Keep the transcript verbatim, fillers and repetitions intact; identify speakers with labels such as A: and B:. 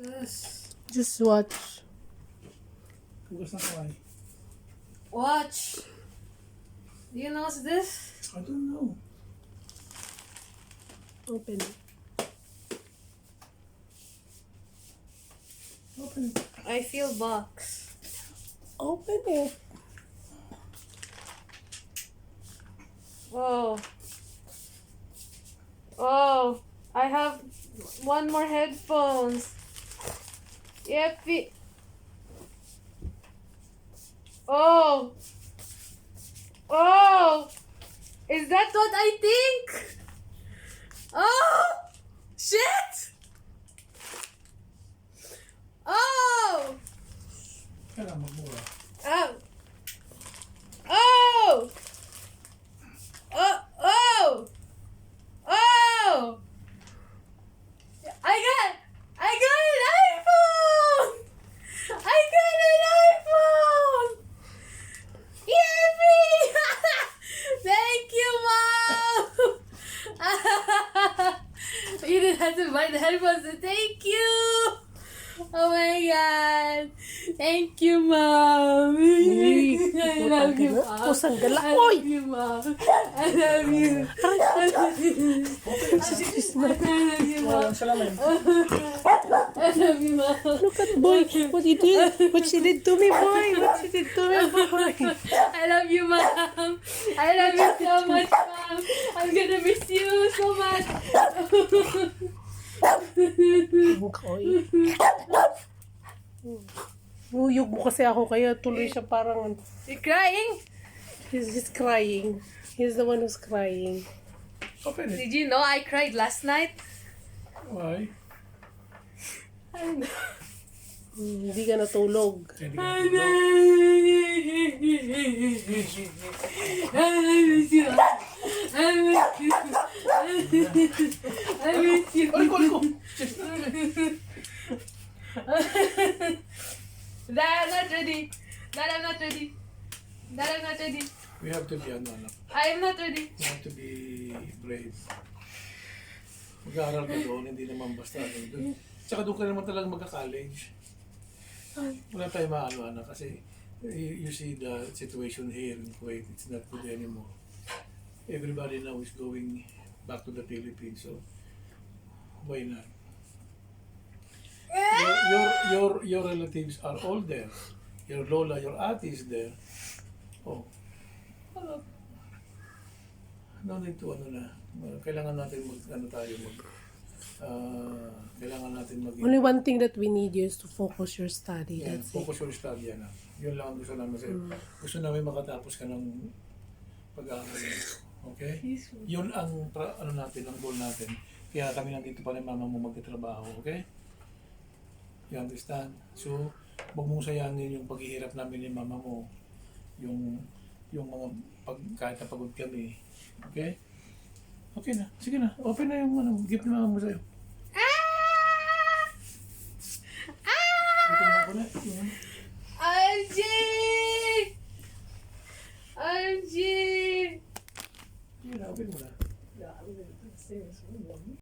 A: Yes.
B: Just watch.
A: Hugas na kamay.
C: Watch. Do you know what's this?
A: I don't know.
B: Open it.
A: Open it.
C: I feel box.
B: Open it.
C: Whoa. Oh, I have one more headphones. Yep. it- Oh. Oh. Is that what I think? Oh. Shit. Oh.
A: Kailangan magmura.
C: Oh. Oh. Oh. Oh. Oh. I got. I got an iPhone. I got an iPhone. Yippee! Thank you, Mom. You didn't have to buy the headphones. Thank you. Oh my God. Thank you, Mom. I love you, Mom.
B: Pusang gala.
C: I
B: Oy!
C: love you, Mom. I love you. I love you. I love you, Mom.
A: Walang salamin.
C: I love you, Mom.
B: Look at boy. What you did? What she did to me, boy? What she did to me, boy?
C: I love you, Mom. I love you so much, Mom. I'm gonna miss you so much.
B: Koy. Uyog mo kasi ako kaya tuloy siya parang
C: You crying?
B: he's just crying. He's the one who's crying.
A: Open it.
C: Did you know I cried last night?
A: Why?
C: I don't know.
B: Hmm, hindi ka natulog.
A: Hindi ka
C: I
A: natulog.
C: miss you. I miss you. I miss you.
A: Ay, ko, ko.
C: Dad, I'm not ready. Dad, I'm not ready. Dad, I'm not ready.
A: We have to be, ano, anak.
C: I am not ready.
A: We have to be brave. Mag-aaral ka doon, hindi naman basta ano doon. Tsaka doon ka naman talaga magka-college. Wala tayong maano, anak, kasi you, you see the situation here in Kuwait, it's not good anymore. Everybody now is going back to the Philippines, so why not? Your, your, your, your relatives are all there. Your lola, your ate is there. Oh. Ano? No need to, ano na. Kailangan natin mag, ano tayo, mag, ah, kailangan natin mag-
B: Only one thing that we need you is to focus your study.
A: Yeah,
B: That's it.
A: focus your study, yan. Yun lang ang gusto namin sa'yo. Gusto namin makatapos ka ng pag-aaral. Okay? Yun ang, pra- ano natin, ang goal natin. Kaya kami nandito pa rin mama mo magtatrabaho, okay? You understand? So, huwag mong sayangin yung paghihirap namin ni mama mo. Yung, yung mga, pag, kahit na pagod kami. Okay? Okay na. Sige na. Open na yung ano, gift ni mama mo sa'yo.
C: Ah!
A: Open na ako na. Yun.
C: O M G! O M G!
A: Sige na, open mo na.